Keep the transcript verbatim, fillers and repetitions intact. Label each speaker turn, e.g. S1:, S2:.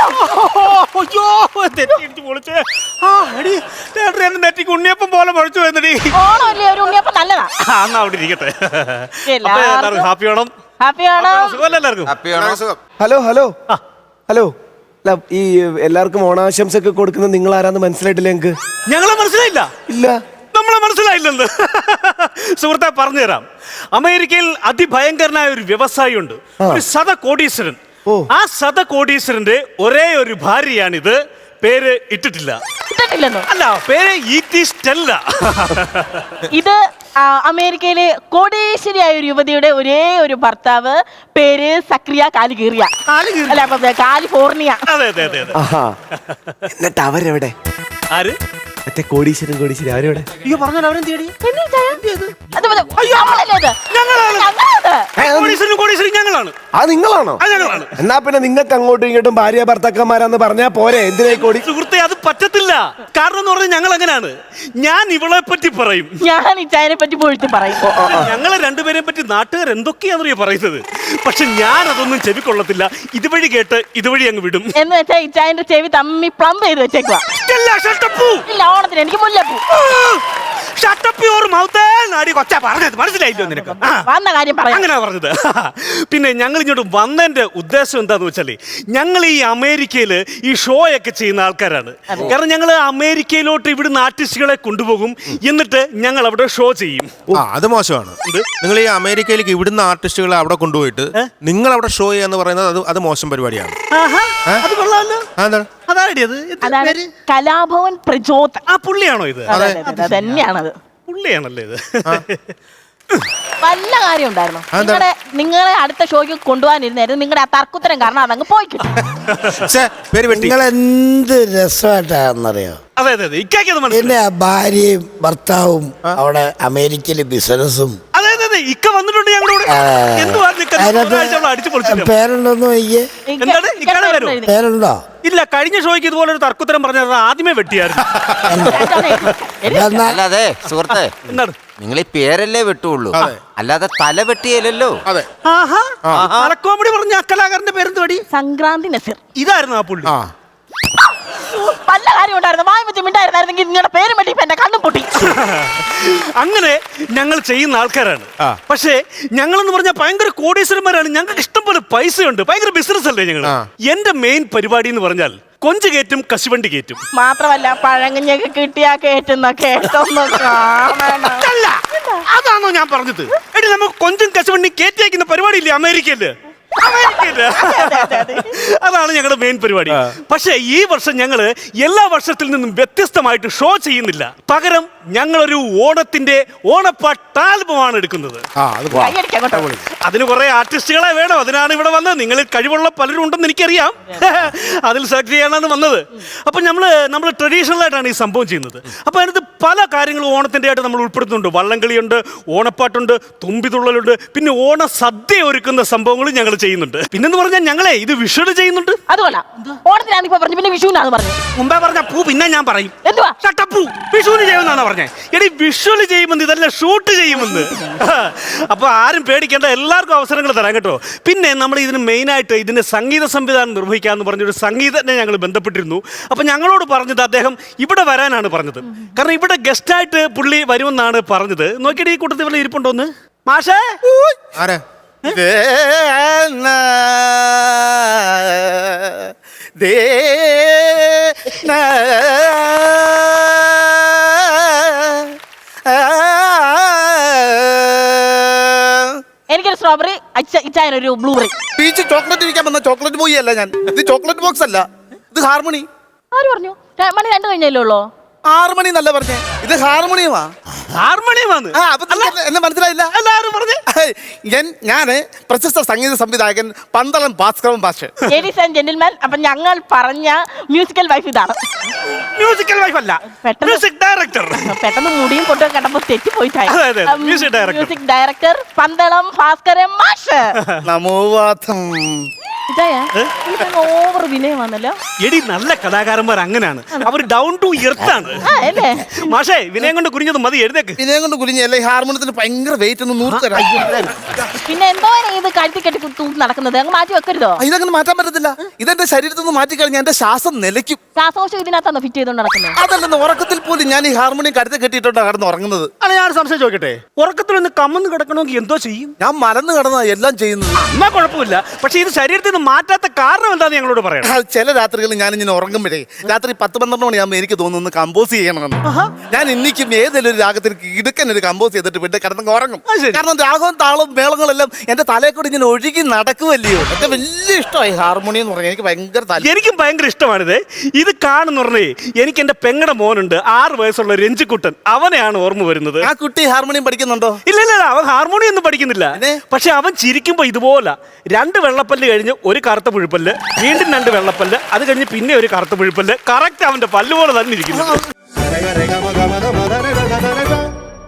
S1: അയ്യോ തെറ്റി പൊളിച്ചേ. ആ എടി എന്നെ നെറ്റിക്ക് ഉണ്ണിയപ്പം പോലെ പൊളിച്ചു വന്നടി.
S2: ഓണമല്ലേ, ഒരു ഉണ്ണിയപ്പം നല്ലതാ.
S1: ആ എന്നാ അവിടെ ഇരിക്കട്ടെ. എല്ലാവർക്കും ഹാപ്പി ഓണം.
S2: ഹാപ്പി ഓണം.
S1: സുഖമല്ലേ എല്ലാവർക്കും?
S3: ഹലോ ഹലോ ഹലോ അല്ല, ഈ എല്ലാവർക്കും ഓണാശംസ ഒക്കെ കൊടുക്കുന്നത് നിങ്ങൾ ആരാന്ന് മനസ്സിലായിട്ടില്ല ഞങ്ങക്ക്.
S1: ഞങ്ങളെ മനസ്സിലായില്ല?
S3: ഇല്ല.
S1: നമ്മളെ മനസ്സിലായില്ലെന്ന് സുഹൃത്തെ പറഞ്ഞുതരാം. അമേരിക്കയിൽ അതിഭയങ്കരനായ ഒരു വ്യവസായി ഉണ്ട്, ഒരു ശത കോടീശ്വരൻ. ആ ശത കോടീശ്വരന്റെ ഒരേ ഒരു ഭാര്യയാണിത്. പേര് ഇട്ടിട്ടില്ല. അല്ല, പേര് ഈറ്റി സ്റ്റെല്ല.
S2: ഇത് അമേരിക്കയിലെ കോടീശ്വരിയായ ഒരു യുവതിയുടെ ഒരേ ഒരു ഭർത്താവ്, പേര് സക്രിയ കാലിഗീറിയ. അല്ല, കാലിഫോർണിയ.
S1: അതെ അതെ അതെ.
S3: എന്നിട്ട് അവരെവിടെ?
S1: ആര്?
S3: മറ്റേ കോടീശ്വരൻ കോടീശ്വരി അവരെവിടെ?
S1: അയ്യോ പറഞ്ഞാൽ അവരും തേടി. ഞങ്ങളാണ്.
S3: ആ നിങ്ങളാണോ? എന്നാ പിന്നെ നിങ്ങൾക്ക് അങ്ങോട്ടും ഇങ്ങോട്ടും ഭാര്യ ഭർത്താക്കന്മാരാന്ന് പറഞ്ഞാ പോരെ? എന്തിനായി കോടി?
S1: സുഹൃത്തെ, അത് പറ്റത്തില്ല. കാരണം എന്ന് പറഞ്ഞാൽ ഞങ്ങൾ അങ്ങനെയാണ്. ഞാൻ ഇവളെ പറ്റി പറയും,
S2: ഞാൻ ഇച്ചായനെ പറ്റി പോയിട്ട് പറയും.
S1: ഞങ്ങളെ രണ്ടുപേരെ പറ്റി നാട്ടുകാർ എന്തൊക്കെയാണെന്നറിയോ പറയുന്നത്. പക്ഷെ ഞാൻ അതൊന്നും ചെവിക്കൊള്ളത്തില്ല. ഇതുവഴി കേട്ട് ഇതുവഴി അങ്ങ് വിടും.
S2: എന്ന് വെച്ചാൽ ഇച്ചായന്റെ ചെവി തമ്മി പ്ലം ചെയ്ത് വെച്ചേക്കുവാ. ഇല്ല, ഓണത്തിന് എനിക്ക് മുല്ലപ്പൂ.
S1: മനസ്സിലായില്ലോ നിനക്ക്?
S2: വന്ന കാര്യം പറയാം.
S1: അങ്ങനെ പറഞ്ഞത്. പിന്നെ ഞങ്ങൾ ഇങ്ങോട്ട് വന്നതിന്റെ ഉദ്ദേശം എന്താന്ന് വെച്ചാല്, ഞങ്ങൾ ഈ അമേരിക്കയില് ഈ ഷോ ഒക്കെ ചെയ്യുന്ന ആൾക്കാരാണ്. കാരണം ഞങ്ങൾ അമേരിക്കയിലോട്ട് ഇവിടുന്ന് ആർട്ടിസ്റ്റുകളെ കൊണ്ടുപോകും, എന്നിട്ട് ഞങ്ങൾ അവിടെ ഷോ ചെയ്യും.
S4: അത് മോശമാണ്. നിങ്ങൾ ഈ അമേരിക്കയിലേക്ക് ഇവിടുന്ന് ആർട്ടിസ്റ്റുകളെ അവിടെ കൊണ്ടുപോയിട്ട് നിങ്ങൾ അവിടെ ഷോ ചെയ്യാന്ന് പറയുന്നത് അത് അത് മോശം പരിപാടിയാണ്.
S1: അത് കൊള്ളാമല്ലോ.
S2: അതാണ് കലാഭവൻ പ്രചോദ.
S1: ആ പുള്ളിയാണോ ഇത്?
S2: തന്നെയാണത്.
S1: പുള്ളിയാണല്ലേ ഇത്?
S2: വല്ല കാര്യം ഉണ്ടായിരുന്നു. നിങ്ങളെ നിങ്ങളെ അടുത്ത ഷോയ്ക്ക് കൊണ്ടുപോകാനിരുന്നായിരുന്നു. നിങ്ങളുടെ ആ തർക്കുത്തരം കാരണം അതങ്ങ് പോയി കിട്ടും.
S5: നിങ്ങൾ എന്ത് രസമായിട്ടാണെന്നറിയോ?
S1: അതെ അതെ അതെ.
S5: എന്റെ ഭാര്യയും ഭർത്താവും അവിടെ അമേരിക്കയില് ബിസിനസ്സും.
S1: അതെ അതെ അതെ. ഇക്ക വന്നിട്ടുണ്ട് ഞങ്ങളോട്.
S5: പേരുണ്ടോന്ന് നോക്കിയേ. പേരുണ്ടോ?
S1: ഇല്ല, കഴിഞ്ഞ ഷോയ്ക്ക് ഇതുപോലെ ഒരു തർക്കുത്തരം പറഞ്ഞത് ആദ്യമേ വെട്ടിയായിരുന്നു.
S6: അല്ലാതെ സുഹൃത്തെ, നിങ്ങൾ ഈ പേരല്ലേ വെട്ടുള്ളൂ, അല്ലാതെ തല വെട്ടിയല്ലോ.
S1: കോമഡി പറഞ്ഞ കലാകാരന്റെ പേരെന്ത് പടി?
S2: സംക്രാന്തി നസീർ.
S1: ഇതായിരുന്നു ആ പുള്ളി.
S2: പല കാര്യം ഉണ്ടായിരുന്നു. വായ വെച്ച് മിണ്ടായിരുന്നെങ്കിൽ നിങ്ങളുടെ പേര് വെട്ടി എന്റെ കണ്ണും പൊട്ടി.
S1: അങ്ങനെ ഞങ്ങൾ ചെയ്യുന്ന ആൾക്കാരാണ്. പക്ഷേ ഞങ്ങളെന്ന് പറഞ്ഞാൽ ഭയങ്കര കോടീശ്വരന്മാരാണ്. ഞങ്ങൾക്ക് ഇഷ്ടംപോലെ പൈസയുണ്ട്, ഭയങ്കര ബിസിനസ് അല്ലേ ഞങ്ങൾ. എന്റെ മെയിൻ പരിപാടി എന്ന് പറഞ്ഞാൽ കൊഞ്ച് കയറ്റും, കശുവണ്ടി കയറ്റും.
S2: മാത്രമല്ല പഴങ്ങഞ്ഞൊക്കെ കിട്ടിയാ കേട്ടുന്ന കേട്ടൊന്നും
S1: അല്ല, അതാണോ ഞാൻ പറഞ്ഞത്? എടി, നമുക്ക് കൊഞ്ചും കശുവണ്ടി കയറ്റി അയക്കുന്ന പരിപാടി ഇല്ലേ അമേരിക്കയില്? അതാണ് ഞങ്ങളുടെ മെയിൻ പരിപാടി. പക്ഷേ ഈ വർഷം ഞങ്ങള് എല്ലാ വർഷത്തിൽ നിന്നും വ്യത്യസ്തമായിട്ട് ഷോ ചെയ്യുന്നില്ല. പകരം ഞങ്ങളൊരു ഓണത്തിന്റെ ഓണപ്പാട്ട് ആൽബമാണ് എടുക്കുന്നത്. അതിന് കുറെ ആർട്ടിസ്റ്റുകളെ വേണം. അതിനാണ് ഇവിടെ വന്നത്. നിങ്ങളിൽ കഴിവുള്ള പലരും ഉണ്ടെന്ന് എനിക്കറിയാം. അതിൽ സെലക്ട് ചെയ്യാനാണ് വന്നത്. അപ്പൊ നമ്മള് നമ്മൾ ട്രഡീഷണൽ ആയിട്ടാണ് ഈ സംഭവം ചെയ്യുന്നത്. അപ്പൊ അതിനകത്ത് പല കാര്യങ്ങളും ഓണത്തിന്റെ ആയിട്ട് നമ്മൾ ഉൾപ്പെടുത്തുന്നുണ്ട്. വള്ളംകളിയുണ്ട്, ഓണപ്പാട്ടുണ്ട്, തുമ്പിതുള്ളലുണ്ട്, പിന്നെ ഓണ സദ്യ ഒരുക്കുന്ന സംഭവങ്ങളും ഞങ്ങൾ ചെയ്യുന്നുണ്ട്. പിന്നെന്ന് പറഞ്ഞാൽ ഞങ്ങളെ ഇത് വിഷുവിന് ചെയ്യുന്നുണ്ട്.
S2: അതുകൊണ്ടാ ഓണത്തിനാണ് ഇപ്പൊ പറഞ്ഞു, പിന്നെ വിഷുവിനാണ് പറഞ്ഞു.
S1: മുമ്പേ പറഞ്ഞ പൂ പിന്നെ ഞാൻ പറയും.
S2: എന്തുവാ?
S1: ഷട്ടപ്പൂ. വിഷുവിന് ചെയ്യുമെന്നാണ് പറഞ്ഞത്. എടി, വിഷുവിന് ചെയ്യുമെന്ന്, ഇതല്ല ഷൂട്ട് ചെയ്യുമെന്ന്. അപ്പൊ ആരും പേടിക്കേണ്ട, എല്ലാവർക്കും അവസരങ്ങൾ തരാം കേട്ടോ. പിന്നെ നമ്മൾ ഇതിന് മെയിനായിട്ട് ഇതിന്റെ സംഗീത സംവിധാനം നിർവഹിക്കാന്ന് പറഞ്ഞൊരു സംഗീതജ്ഞനെ ഞങ്ങൾ ബന്ധപ്പെട്ടിരുന്നു. അപ്പൊ ഞങ്ങളോട് പറഞ്ഞത് അദ്ദേഹം ഇവിടെ വരാനാണ് പറഞ്ഞത്. കാരണം ഇവിടെ ഗസ്റ്റായിട്ട് പുള്ളി വരുമെന്നാണ് പറഞ്ഞത്. നോക്കിയിട്ട് ഈ കൂട്ടത്തിൽ ഇവിടെ ഇരിപ്പുണ്ടോന്ന് മാഷേ?
S4: ആരാ?
S2: എനിക്കൊരു സ്ട്രോബെറി, ഇച്ചായനൊരു ബ്ലൂബെറി.
S5: പീച്ച് ചോക്ലേറ്റ് ഇരിക്കാൻ വന്ന ചോക്ലേറ്റ് ബോയ് അല്ല ഞാൻ. ഇത് ചോക്ലേറ്റ് ബോക്സ് അല്ല, ഇത് ഹാർമണി.
S2: ആര് പറഞ്ഞു? മണി രണ്ടു കഴിഞ്ഞല്ലേ ഉള്ളൂ.
S5: ആറ് മണി എന്നല്ല പറഞ്ഞേ, ഇത് ഹാർമോണിയമാ.
S1: ഹാർമോണിയമാണ്.
S5: എന്നെ മനസ്സിലായില്ല.
S1: എല്ലാവരും പറഞ്ഞു.
S5: ഞാന് പ്രശസ്ത സംഗീത സംവിധായകൻ പന്തളം ഭാസ്കരൻ ഭാഷ.
S2: ലേഡീസ് ആൻഡ് ജെന്റിൽമാൻ, അപ്പൊ ഞങ്ങൾ പറഞ്ഞ മ്യൂസിക്കൽ വൈഫ് ഇതാണ്.
S1: മ്യൂസിക്കൽ വൈഫ് അല്ല, മ്യൂസിക് ഡയറക്ടർ.
S2: പെട്ടെന്ന് മുടിയും കൊണ്ടു കണ്ടപ്പോ തെറ്റി പോയിട്ടായി.
S1: മ്യൂസിക്
S2: ഡയറക്ടർ പന്തളം ഭാസ്കരൻ മാഷ്.
S5: നമോവാദം.
S2: ഓവർ വിനയം വന്നല്ലോ.
S1: എടി നല്ല കലാകാരന്മാർ അങ്ങനെയാണ്, അവർ ഡൗൺ ടു എർത്ത് ആണ്.
S2: ആ, അല്ലേ?
S1: മാഷേ വിനയം കൊണ്ട് കുനിഞ്ഞത് മതി, എഴുതേക്ക്.
S5: ഇതിനെ കൊണ്ട് കുരിഞ്ഞല്ലേ ഹാർമോണിയത്തിന് ഭയങ്കര വെയിറ്റ് ഒന്ന് നൂറ് തരാം.
S2: പിന്നെ എന്തോ ഇത് കഴുത്തി കെട്ടി തൂക്കി നടക്കുന്നത് അങ്ങ് മാറ്റി വെക്കരുതോ?
S5: ഇതങ്ങനെ മാറ്റാൻ പറ്റത്തില്ല. ഇതെന്റെ ശരീരത്തിൽ നിന്ന് മാറ്റി കഴിഞ്ഞാൽ എന്റെ ശ്വാസം നിലയ്ക്കും.
S2: ശ്വാസകോശം ഇതിനകത്താണോ ഫിറ്റ് ചെയ്തോണ്ട് നടക്കുന്നത്?
S5: അതല്ലെന്ന് ഉറക്കത്തിൽ പോലും ഞാൻ ഈ ഹാർമോണിയം കരുത്ത് കെട്ടിയിട്ടോണ്ടാണ് കിടന്ന് ഉറങ്ങുന്നത്.
S1: ആണ് ഞാൻ സംശയം ചോദിക്കട്ടെ, ഉറക്കത്തിലൊന്ന് കമ്മന്ന് കിടക്കണമെങ്കിൽ എന്തോ ചെയ്യും?
S5: ഞാൻ മലന്ന് കിടന്ന എല്ലാം ചെയ്യുന്നത്.
S1: എന്നാ കുഴപ്പമില്ല, പക്ഷെ ഇത് ശരീരത്തിൽ നിന്ന് മാറ്റാത്ത കാരണം എന്താന്ന് ഞങ്ങളോട് പറയണം.
S5: ആ, ചില രാത്രികളിൽ ഞാൻ ഇങ്ങനെ ഉറങ്ങുമ്പോഴേ രാത്രി പത്ത് പന്ത്രണ്ട് മണിയാകുമ്പോൾ എനിക്ക് തോന്നുന്നു കമ്പോസ് ചെയ്യണമെന്ന്. ഞാൻ ഇന്നിക്കും ഏതെങ്കിലും ഒരു രാഗത്തിൽ ഇടുക്കൻ ഒരു കമ്പോസ് ചെയ്തിട്ട് പിന്നെ കിടന്നങ്ങ് ഉറങ്ങും.
S1: അത് ശരി.
S5: കാരണം രാഗവും താളവും മേളങ്ങളെല്ലാം എന്റെ തലയെ കൂടി ഇങ്ങനെ ഒഴുകി നടക്കുമല്ലയോ. എന്റെ വലിയ ഇഷ്ടമായി ഹാർമോണിയം എന്ന് പറഞ്ഞാൽ എനിക്ക് ഭയങ്കര താല്പര്യം.
S1: എനിക്കും ഭയങ്കര ഇഷ്ടമാണിത്. ഇത് കാണുന്ന പറഞ്ഞേ എനിക്ക് എന്റെ പെങ്ങടെ മോനുണ്ട്, ആറ് വയസ്സുള്ള രഞ്ജിക്കുട്ടൻ, അവനെയാണ് ഓർമ്മ വരുന്നത്.
S5: ആ കുട്ടി ഹാർമോണിയം പഠിക്കുന്നുണ്ടോ?
S1: ഇല്ല ഇല്ല അവൻ ഹാർമോണിയം ഒന്നും പഠിക്കുന്നില്ല.
S5: പിന്നെ?
S1: പക്ഷെ അവൻ ചിരിക്കുമ്പോ ഇതുപോലെ രണ്ട് വെള്ളപ്പല്ല് കഴിഞ്ഞ് ഒരു കറുത്ത പുഴുപ്പല്ല്, വീണ്ടും രണ്ട് വെള്ളപ്പല്ല്, അത് കഴിഞ്ഞ് പിന്നെ ഒരു കറുത്ത പുഴുപ്പല്ല്, കറക്റ്റ് അവന്റെ പല്ല് പോലെ തന്നെ ഇരിക്കുന്നു.